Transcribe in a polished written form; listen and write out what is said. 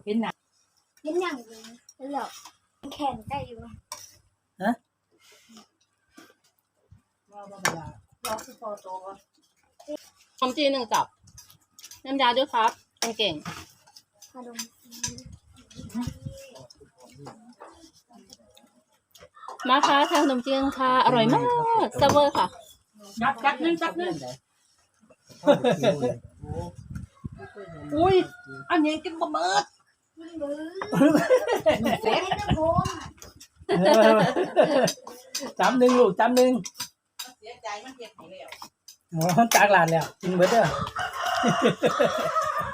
เห็นหนังเห็นอย่างนี้แล้วแข่งได้อยู่ว่าเวลาเราคือพอโตก็ขนมจีน1 กับน้ำยาด้วยครับเก่งขนมมาค่ะทานขนมจีนค่ะอร่อยมากเซเวอร์ค่ะจักนึงอุ้ยอันนี้กินบะเมิดมือเห็นนะผมจำหนึ่งลูกจำหนึ่งเสียใจมันเก็บไปแล้วจากหลานแล้วกินเบิดเด้อ